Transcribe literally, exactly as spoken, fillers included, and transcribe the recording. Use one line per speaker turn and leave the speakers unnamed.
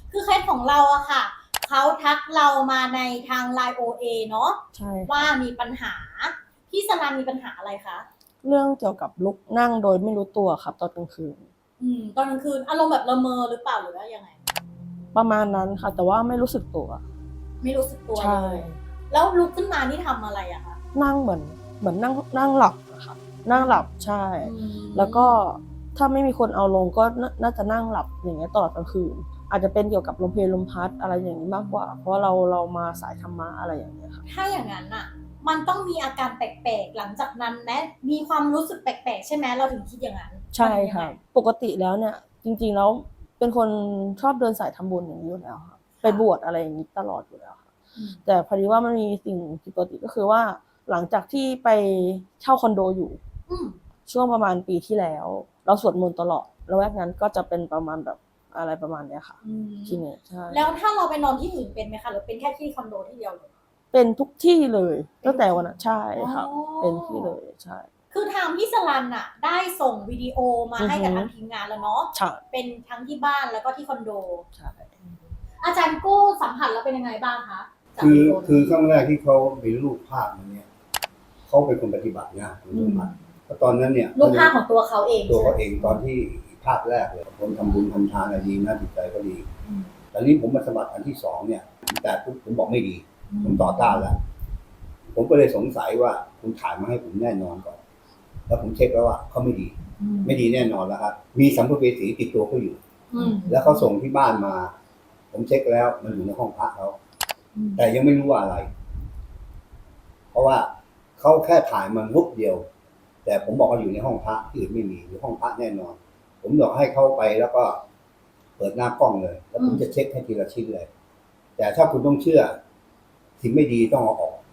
คือเคสของเราอะค่ะเขาทักเรามาในทาง ไลน์ โอ เอ เนาะ
ใช่
ว่ามีปัญหาพี่สรันมีปัญหาอะไรคะ
เรื่องเกี่ยวกับลุกนั่งโดยไม่รู้ตัวครับตอนกลางคืน
อืมตอนกลางคืนอารมณ์แบบละเมอหรือเปล่าหรือว่ายังไง
ประมาณนั้นค่ะแต่ว่าไม่รู้สึกตัว
ไม่รู้สึกตัว
ใช่
เลยแล้วลุกขึ้นมานี่ทำอะไรอะคะ
นั่งเหมือนเหมือนนั่งนั่งหลับอะค่ะนั่งหลับใช่แล้วก็ถ้าไม่มีคนเอาลงก็น่าจะนั่งหลับอย่างเงี้ยตลอดกลางคืนอาจจะเป็นเกี่ยวกับลมเพลลมพัดอะไรอย่างนี้มากกว่าเพราะเราเรามาสายธรรมะอะไรอย่างเงี้ยค่ะ
ถ้าอย่างนั้นอะมันต้องมีอาการแปลกๆหลังจากนั้นไหมมีความรู้สึกแปลกๆใช่ไหมเราถึงคิดอย่างนั้น
ใช่ค่ะปกติแล้วเนี่ยจริงๆแล้วเป็นคนชอบเดินสายทำบุญอย่างนี้อยู่แล้วค่ะไปบวชอะไรอย่างนี้ตลอดอยู่แล้วค่ะแต่พอดีว่ามันมีสิ่งผิดปกติก็คือว่าหลังจากที่ไปเช่าคอนโดอยู่ช่วงประมาณปีที่แล้วเราสวดมนต์ตลอดแล้วแวกนั้นก็จะเป็นประมาณแบบอะไรประมาณเนี้ยค่ะที่นี่ใช่
แล้วถ้าเราไปนอนที่อื่นเป็นไหมคะหรือเป็นแค่ที่คอนโดที่เดียวเลย
เป็นทุกที่เลยตั้งแต่วันนั้นใช่ค่ะเป็นที่เลยใช่
คือทางพี่สรันน่ะได้ส่งวิดีโอมาให้กับทางทีมงานแล้วเนาะเป็นทั้งที่บ้านแล้วก็ที่คอนโด
ใช่
อาจารย์กู้สัมผัสแล้วเป็นยังไงบ้างคะ
คือคือครั้งแรกที่เขามีรูปภาพมาเนี่ยเขาเป็นคนปฏิบัตินะคุณสมบัติเพราะตอนนั้นเนี่ย
รูปภาพของตัวเขาเอง
ตัวเขาเองตอนที่ภาพแรกเลยคนทำบุญทำทานอะไรดีนะจิตใจก็ดีแต่นี้ผมมาสมัครอันที่สองเนี่ยแต่ผมบอกไม่ดีผมต่อต้านแล้วผมก็เลยสงสัยว่าคุณถ่ายมาให้ผมแน่นอนก่อนแล้วผมเช็คแล้วว่าเขาไม่ดีไม่ดีแน่นอนแล้วครับมีสัมภเวสีติดตัวเขาอยู่แล้วเขาส่งที่บ้านมาผมเช็คแล้วมันอยู่ในห้องพระเขาแต่ยังไม่รู้ว่าอะไรเพราะว่าเขาแค่ถ่ายมันรูปเดียวแต่ผมบอกว่าอยู่ในห้องพระที่อื่นไม่มีอยู่ห้องพระแน่นอนผมบอกให้เข้าไปแล้วก็เปิดหน้ากล้องเลยแล้วผมจะเช็คให้ทีละชิ้นเลยแต่ถ้าคุณต้องเชื่อสิ่งไม่ดีต้องเอาออก